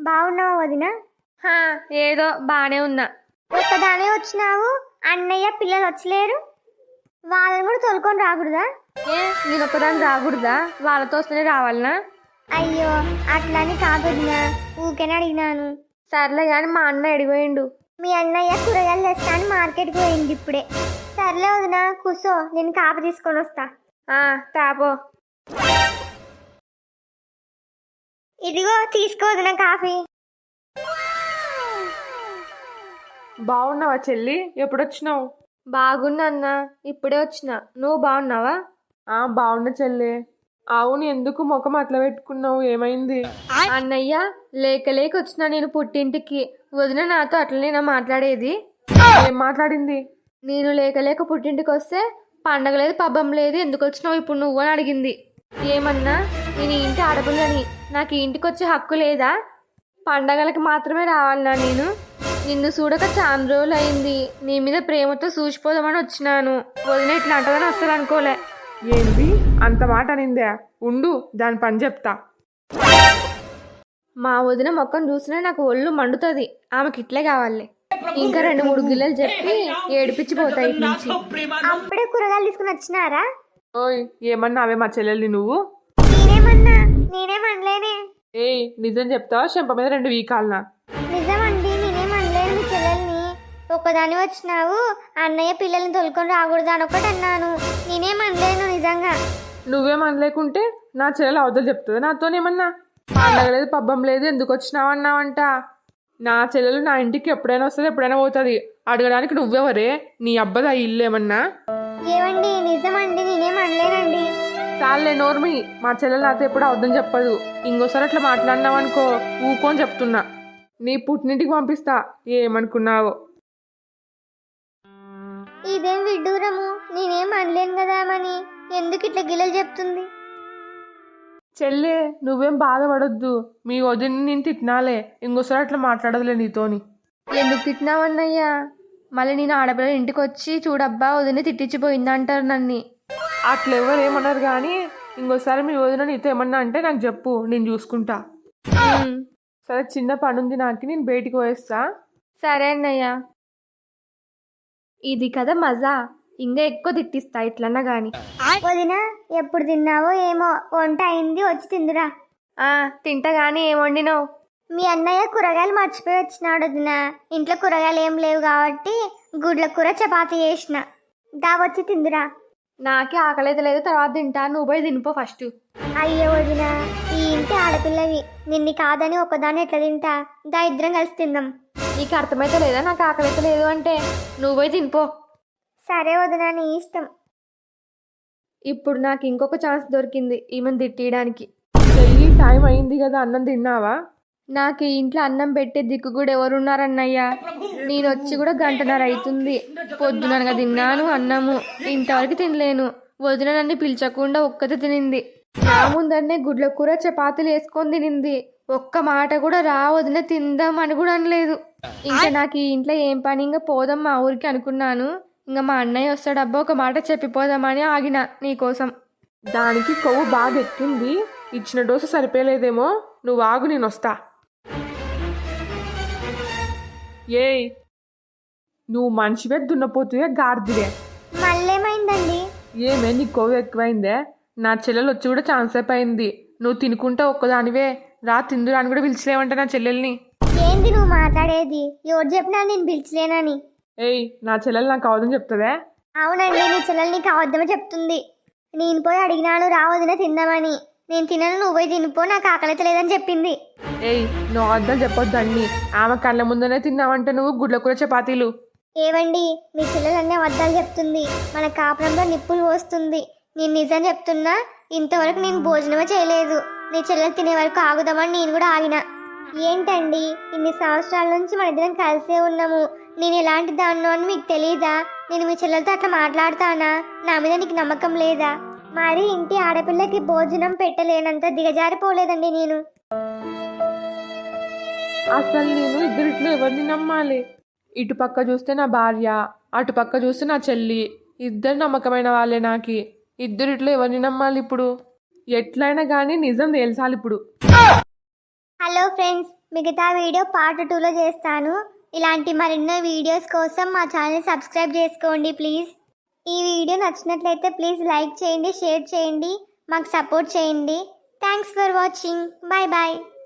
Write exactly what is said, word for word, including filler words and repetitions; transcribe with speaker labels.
Speaker 1: బాగున్నావా వదిన?
Speaker 2: హా, ఏదో బానే ఉన్నా.
Speaker 1: ఒక్కదానే వచ్చినావు, అన్నయ్య పిల్లలు వచ్చలేరు? వాళ్ళని కూడా తోలుకొని రాకూడదా?
Speaker 2: ఏ నేను ఒక్కదాన్ని రాకూడదా? వాళ్ళతో వస్తేనే రావాలనా?
Speaker 1: అయ్యో అట్లని కాదు వదిన, ఊరికేనే అడిగినాను.
Speaker 2: సర్లే కానీ మా అన్న ఎడిపోయిండు.
Speaker 1: మీ అన్నయ్య కూరగాయలు తెస్తాను మార్కెట్కి పోయింది ఇప్పుడే. సర్లే వదిన కూసో, నేను కాపు తీసుకొని వస్తా.
Speaker 2: ఆ తాపో.
Speaker 1: ఇదిగో తీసుకో వదిన కాఫీ.
Speaker 3: బాగున్నావా చెల్లి? ఎప్పుడొచ్చినావు?
Speaker 2: బాగున్నా అన్న, ఇప్పుడే వచ్చిన. నువ్వు బాగున్నావా?
Speaker 3: ఆ బాగున్నా చెల్లి. అవును, ఎందుకు ముఖం అట్లా పెట్టుకున్నావు? ఏమైంది?
Speaker 2: అన్నయ్య లేక లేక వచ్చిన నేను పుట్టింటికి. వదిన నాతో అట్లనేనా మాట్లాడేది?
Speaker 3: ఏం మాట్లాడింది?
Speaker 2: నేను లేక లేక పుట్టింటికి వస్తే పండగ లేదు పబ్బం లేదు, ఎందుకు వచ్చినావు ఇప్పుడు నువ్వు అని అడిగింది. ఏమన్నా నేను ఈ ఇంటి ఆడపిల్లని, నాకు ఈ ఇంటికి వచ్చే హక్కు లేదా? పండగలకి మాత్రమే రావాలన్నా నేను? నిన్ను చూడక చాలా రోజులు అయింది, నీ మీద ప్రేమతో చూసిపోదామని వచ్చినాను. వదిన ఇట్లా అంటదని అస్సలు అనుకోలే.
Speaker 3: ఏంది అంత మాట అనిందే? ఉండు, దాని పని చెప్తా.
Speaker 2: మా వదిన మొక్కను చూసినా నాకు ఒళ్ళు మండుతుంది. ఆమెకి ఇట్లే కావాలి. ఇంకా రెండు మూడు గిల్లెలు చెప్పి ఏడిపించిపోతాయి ఇటు నుంచి.
Speaker 1: అప్పుడే కూరగాయలు తీసుకుని వచ్చినారా?
Speaker 3: ఓయ్, ఏమన్నా అవే మా చెల్లెల్ని నువ్వు?
Speaker 1: నేనేమన్నా నేనేమనలేనే.
Speaker 3: ఏయ్, నిజం చెప్తావా? చెంప మీద రెండు వీకాలనా?
Speaker 1: నిజమండి, నేనేమనలేను మీ చెల్లెల్ని. ఒక్కదాని వచ్చినావు, అన్నయ్య పిల్లల్ని తోలుకొని రాకూడదు అని ఒకటి అన్నాను. నేనేమనలేను నిజంగా.
Speaker 3: నువ్వేం అనలేకుంటే నా చెల్లెలు అవతలు చెప్తుంది నాతోనేమన్నా? పండగ లేదు పబ్బం లేదు, ఎందుకు వచ్చినావన్నావంట? నా చెల్లెలు నా ఇంటికి ఎప్పుడైనా వస్తుంది, ఎప్పుడైనా పోతుంది. అడగడానికి నువ్వెవరే? నీ అబ్బదా ఇల్లు ఏమన్నా?
Speaker 1: ఏవండి నిజమండి, నేనేమనలేనండి.
Speaker 3: చాలే నోర్మి, మా చెల్లెలు నాతో ఎప్పుడు అవద్దని చెప్పదు. ఇంకోసారి అట్లా మాట్లాడినావనుకో ఊకోని చెప్తున్నా. నీ పుట్టినింటికి పంపిస్తా, ఏమనుకున్నావో.
Speaker 1: ఇదేం విడ్డూరము, నేనేం అనలేను కదా మని ఎందుకు ఇట్లా గిల్లలు చెప్తుంది?
Speaker 3: చెల్లే, నువ్వేం బాధపడొద్దు. మీ వదిన నేను తిట్టినాలే, ఇంకోసారి అట్లా మాట్లాడదులే నీతోని.
Speaker 2: ఎందుకు తిట్టినావన్నయ్యా? మళ్ళీ నేను ఆడపిల్ల ఇంటికి వచ్చి చూడబ్బా వదిన తిట్టించిపోయింది అంటారు నన్ను.
Speaker 3: అట్లా ఎవరు ఏమన్నారు కానీ ఇంకోసారి మీ వదిన నీతో ఏమన్నా అంటే నాకు చెప్పు, నేను చూసుకుంటా. సరే, చిన్న పని ఉంది నాకు, నేను బయటికి పోయేస్తా.
Speaker 2: సరే అన్నయ్య. ఇది కదా మజా, ఇంకా ఎక్కువ తిట్టిస్తా ఇట్లన్నా గాని.
Speaker 1: వదిన ఎప్పుడు తిన్నావో ఏమో, వంట అయింది వచ్చి తిందురా.
Speaker 2: ఆ తింటా గాని ఏం వండినావు?
Speaker 1: మీ అన్నయ్య కూరగాయలు మర్చిపోయి వచ్చినాడు వదిన. ఇంట్లో కూరగాయలు ఏం లేవు కాబట్టి గుడ్ల కూర చపాతీ చేసిన, దా వచ్చి తిందురా.
Speaker 2: నాకే ఆకలి లేదు, తర్వాత తింటా. నువ్వు పోయి తినిపో ఫస్ట్.
Speaker 1: అయ్యో వదిన, ఈ ఇంటి ఆడపిల్లవి, నిన్ను కాదని ఒకదాన్ని ఎట్లా తింటా? దా ఇద్దరం కలిసి తిందాం.
Speaker 2: నీకు అర్థమైతే లేదా నాకు ఆకలి లేదు అంటే? నువ్వు పోయి తినిపో.
Speaker 1: సరే వదిన, నీ ఇష్టం.
Speaker 2: ఇప్పుడు నాకు ఇంకొక ఛాన్స్ దొరికింది ఈమెను తిట్టియడానికి.
Speaker 3: చెల్లి, టైం అయింది కదా, అన్నం తిన్నావా?
Speaker 2: నాకు ఈ ఇంట్లో అన్నం పెట్టే దిక్కు కూడా ఎవరున్నారన్నయ్యా? నేను వచ్చి కూడా గంటన్నర అవుతుంది. పొద్దుననగా తిన్నాను అన్నము, ఇంతవరకు తినలేను. వదిన నన్ను పిలిచకుండా ఒక్కతే తినింది. నా ముందరనే గుడ్ల కూర చపాతీలు వేసుకొని తినింది. ఒక్క మాట కూడా రా వదిన తిందాం అని కూడా అనలేదు. ఇంకా నాకు ఈ ఇంట్లో ఏం పని, ఇంకా పోదాం మా ఊరికి అనుకున్నాను. ఇంకా మా అన్నయ్య వస్తాడబ్బా ఒక మాట చెప్పిపోదామని ఆగిన నీకోసం.
Speaker 3: దానికి కొవ్వు బాగా ఎక్కింది, ఇచ్చిన డోసు సరిపోలేదేమో. నువ్వు ఆగు, నేను వస్తా. ఏయ్, నువ్వు మనిషివే దున్నపోతువే గాడిదివే?
Speaker 1: మళ్ళేమైందండి?
Speaker 3: ఏమే నీ కొవ్వు ఎక్కువైందే? నా చెల్లెలు వచ్చి కూడా ఛాన్స్ అయిపోయింది. నువ్వు తినుకుంటా ఒక్కదానివే రా తిందురా అని కూడా పిలిచలేవంట నా చెల్లెల్ని.
Speaker 1: ఏంది నువ్వు మాట్లాడేది? ఎవరు చెప్పినా నేను పిలిచలేనని?
Speaker 3: ఏయ్, నా చెల్లెలు నాకు అవదని చెప్తుందే?
Speaker 1: అవునండి, నీ చెల్లెల్ని కావద్దామని చెప్తుంది. నేను పోయి అడిగినాను రావదిన తిందామని. నేను తినను, నువ్వు పోయి తినిపో, నాకు ఆకలిత లేదని చెప్పింది.
Speaker 3: ఏయ్, నువ్వు అర్థం చెప్పొద్దు అన్ని. ఆమె కళ్ళ ముందనే తిన్నావంటే నువ్వు గుడ్ల కూర చపాతీలు.
Speaker 1: ఏవండి, మీ చెల్లెలన్నీ అబద్ధాలు చెప్తుంది, మన కాపురంలో నిప్పులు పోస్తుంది. నేను నిజం చెప్తున్నా, ఇంతవరకు నేను భోజనమే చేయలేదు. నీ చెల్లెలు తినే వరకు ఆగుదామని నేను కూడా ఆగిన. ఏంటండి, ఇన్ని సంవత్సరాల నుంచి మన ఇద్దరం కలిసే ఉన్నాము. నేను ఎలాంటి దాన్నో అని మీకు తెలీదా? నేను మీ చెల్లెలతో అట్లా మాట్లాడతానా? నా మీద నీకు నమ్మకం లేదా? మరి ఇంటి ఆడపిల్లకి భోజనం పెట్టలేనంత దిగజారిపోలేదండి నేను.
Speaker 3: అసలు నేను ఇద్దరిట్లో ఎవరిని నమ్మాలి? ఇటు పక్క చూస్తే నా భార్య, అటు పక్క చూస్తే నా చెల్లి, ఇద్దరు నమ్మకమైన వాళ్ళే నాకి. ఇద్దరిట్లో ఎవరిని నమ్మాలి ఇప్పుడు? ఎట్లయినా కానీ నిజం తేల్చాలి ఇప్పుడు.
Speaker 1: హలో ఫ్రెండ్స్, మిగతా వీడియో పార్ట్ టూలో చేస్తాను. ఇలాంటి మరెన్నో వీడియోస్ కోసం మా ఛానల్ సబ్స్క్రైబ్ చేసుకోండి ప్లీజ్. ఈ వీడియో నచ్చినట్లయితే ప్లీజ్ లైక్ చేయండి, షేర్ చేయండి, మాకు సపోర్ట్ చేయండి. Thanks for watching. Bye bye.